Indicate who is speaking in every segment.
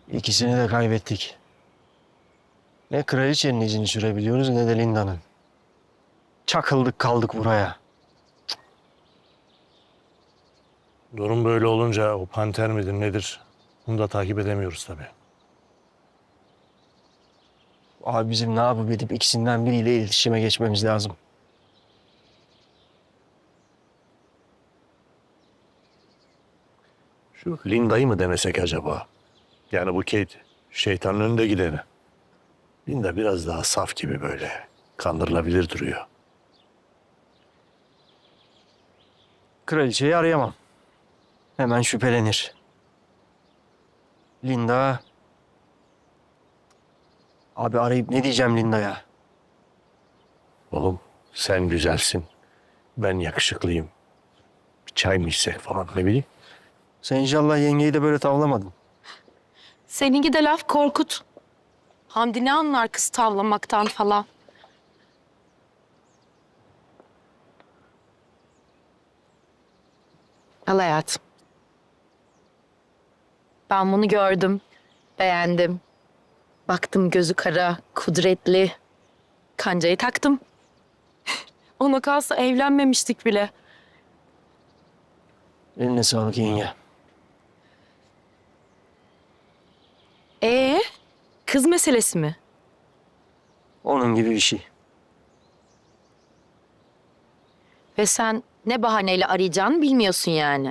Speaker 1: İkisini de kaybettik. Ne kraliçenin izini sürebiliyoruz ne de Linda'nın. Çakıldık kaldık buraya.
Speaker 2: Durum böyle olunca o panter midir nedir? Bunu da takip edemiyoruz tabii.
Speaker 1: Abi bizim ne yapıp edip ikisinden biriyle iletişime geçmemiz lazım.
Speaker 2: Şu Linda'yı mı denesek acaba? Yani bu Kate şeytanın önünde gideni. Linda biraz daha saf gibi böyle. Kandırılabilir duruyor.
Speaker 1: Kraliçeyi arayamam. Hemen şüphelenir. Linda... Abi arayıp ne diyeceğim Linda'ya?
Speaker 2: Oğlum sen güzelsin. Ben yakışıklıyım. Bir çay mı içsek falan ne bileyim.
Speaker 1: Sen inşallah yengeyi de böyle tavlamadın.
Speaker 3: Seninki de laf Korkut. Hamdi ne anlar kız tavlamaktan falan. Al hayatım. Ben bunu gördüm, beğendim. Baktım gözü kara, kudretli. Kancayı taktım. Ona kalsa evlenmemiştik bile.
Speaker 1: Eline sağlık yenge.
Speaker 3: Kız meselesi mi?
Speaker 1: Onun gibi bir şey.
Speaker 3: Ve sen ne bahaneyle arayacağını bilmiyorsun yani.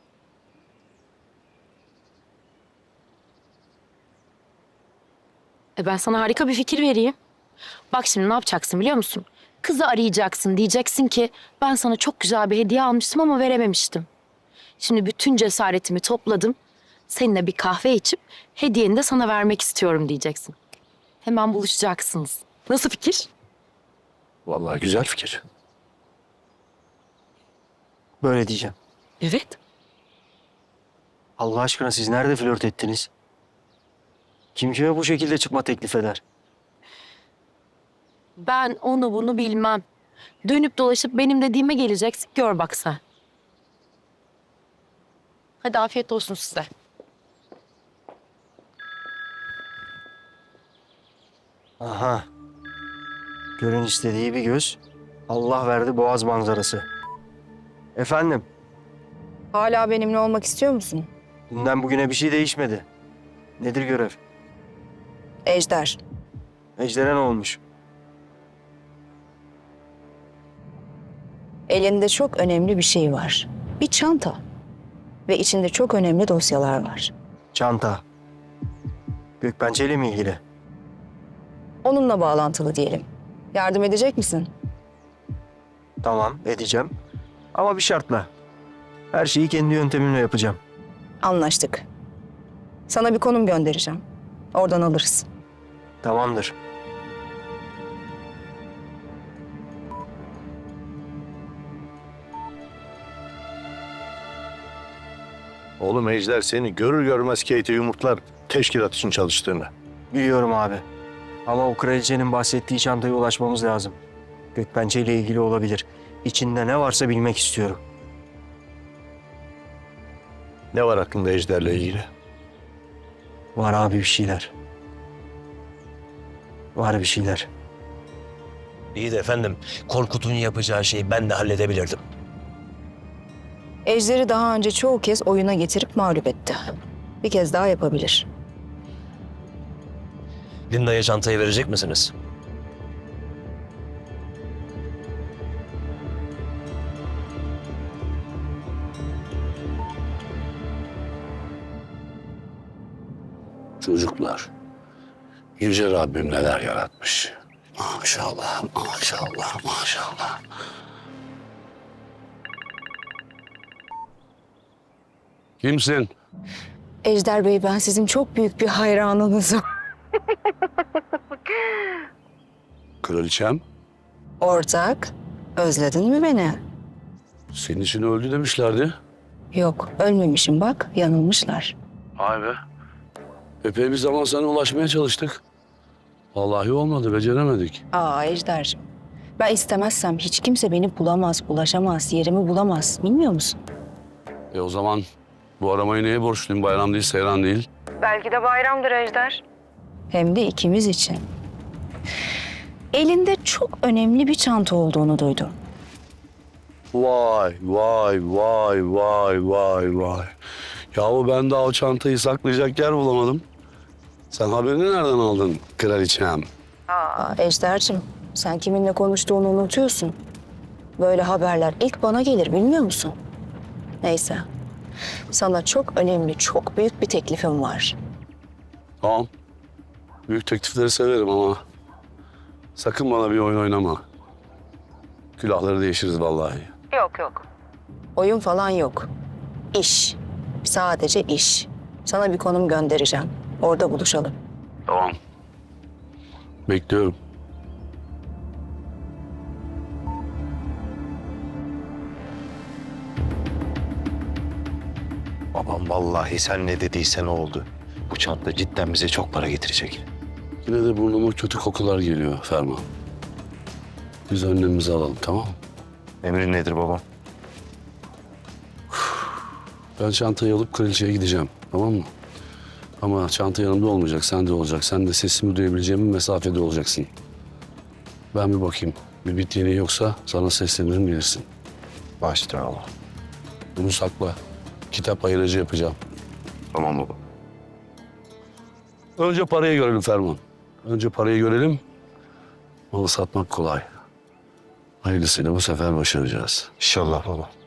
Speaker 3: Ben sana harika bir fikir vereyim. Bak şimdi ne yapacaksın biliyor musun? Kızı arayacaksın, diyeceksin ki ben sana çok güzel bir hediye almıştım ama verememiştim. Şimdi bütün cesaretimi topladım. Seninle bir kahve içip hediyeni de sana vermek istiyorum diyeceksin. Hemen buluşacaksınız. Nasıl fikir?
Speaker 2: Vallahi güzel fikir.
Speaker 1: Böyle diyeceğim.
Speaker 3: Evet.
Speaker 1: Allah aşkına siz nerede flört ettiniz? Kim kime bu şekilde çıkma teklif eder?
Speaker 3: Ben onu bunu bilmem. Dönüp dolaşıp benim dediğime geleceksin. Gör bak sen. Hadi afiyet olsun size.
Speaker 1: Aha. Görün istediği bir göz. Allah verdi boğaz manzarası. Efendim,
Speaker 4: Hala benimle olmak istiyor musun?
Speaker 1: dünden bugüne bir şey değişmedi. Nedir görev?
Speaker 4: Ejder.
Speaker 1: Ejder'e ne olmuş?
Speaker 4: Elinde çok önemli bir şey var. Bir çanta. Ve içinde çok önemli dosyalar var.
Speaker 1: Çanta. Gökbençe ile mi ilgili?
Speaker 4: Onunla bağlantılı diyelim. Yardım edecek misin?
Speaker 1: Tamam, edeceğim. Ama bir şartla. Her şeyi kendi yöntemimle yapacağım.
Speaker 4: Anlaştık. Sana bir konum göndereceğim. Oradan alırız.
Speaker 1: Tamamdır.
Speaker 2: Oğlum Ejder seni görür görmez Kate'e yumurtlar teşkilat için çalıştığını.
Speaker 1: Biliyorum abi. Ama o kraliçenin bahsettiği çantaya ulaşmamız lazım. Gökbençe ile ilgili olabilir. İçinde ne varsa bilmek istiyorum.
Speaker 2: Ne var aklında Ejder'le ilgili?
Speaker 1: Var abi bir şeyler. Var bir şeyler.
Speaker 5: İyi de efendim, Korkut'un yapacağı şeyi ben de halledebilirdim.
Speaker 4: Ejder'i daha önce çoğu kez oyuna getirip mağlup etti. Bir kez daha yapabilir.
Speaker 5: Linda'ya çantayı verecek misiniz?
Speaker 2: Çocuklar. Yüce Rabbim neler yaratmış. Maşallah, maşallah, maşallah. Kimsin?
Speaker 4: Ejder Bey, ben sizin çok büyük bir hayranınızım.
Speaker 6: Kraliçem,
Speaker 4: Ortak, özledin mi beni?
Speaker 6: senin için öldü demişlerdi.
Speaker 4: Yok, ölmemişim bak, yanılmışlar.
Speaker 6: Vay be. Epey bir zaman sana ulaşmaya çalıştık. Vallahi olmadı, beceremedik.
Speaker 4: Aa Ejder'cim, ben istemezsem hiç kimse beni bulamaz, ulaşamaz, yerimi bulamaz. Bilmiyor musun?
Speaker 6: O zaman bu aramayı neye borçluyum? Bayram değil, seyran değil.
Speaker 4: Belki de bayramdır Ejder. Hem de ikimiz için. Elinde çok önemli bir çanta olduğunu duydum.
Speaker 6: Vay vay vay vay vay vay. Yahu ben daha o çantayı saklayacak yer bulamadım. Sen haberini nereden aldın kraliçem?
Speaker 4: Ejder'cim, sen kiminle konuştuğunu unutuyorsun. Böyle haberler ilk bana gelir, bilmiyor musun? Neyse, sana çok önemli, çok büyük bir teklifim var.
Speaker 6: Tamam. Büyük teklifleri severim ama sakın bana bir oyun oynama. Külahları değişiriz vallahi.
Speaker 4: Yok. Oyun falan yok. İş. Sadece iş. Sana bir konum göndereceğim. Orada buluşalım.
Speaker 6: Tamam. Bekliyorum.
Speaker 2: Babam vallahi sen ne dediysen o oldu. Bu çanta cidden bize çok para getirecek.
Speaker 6: Yine de burnuma kötü kokular geliyor Ferman. Biz önlemimizi alalım, tamam mı?
Speaker 2: Emrin nedir babam?
Speaker 6: Ben çantayı alıp kraliçeye gideceğim, tamam mı? Ama çanta yanımda olmayacak, sende olacak. Sen de sesimi duyabileceğim bir mesafede olacaksın. Ben bir bakayım. Bir bit yeniği yoksa sana seslenirim, bilirsin.
Speaker 2: Başla Allah.
Speaker 6: Bunu sakla. Kitap ayırıcı yapacağım.
Speaker 2: Tamam baba.
Speaker 6: Önce parayı görelim Ferman. Önce parayı görelim. Malı satmak kolay. Hayırlısıyla bu sefer başaracağız.
Speaker 2: İnşallah baba.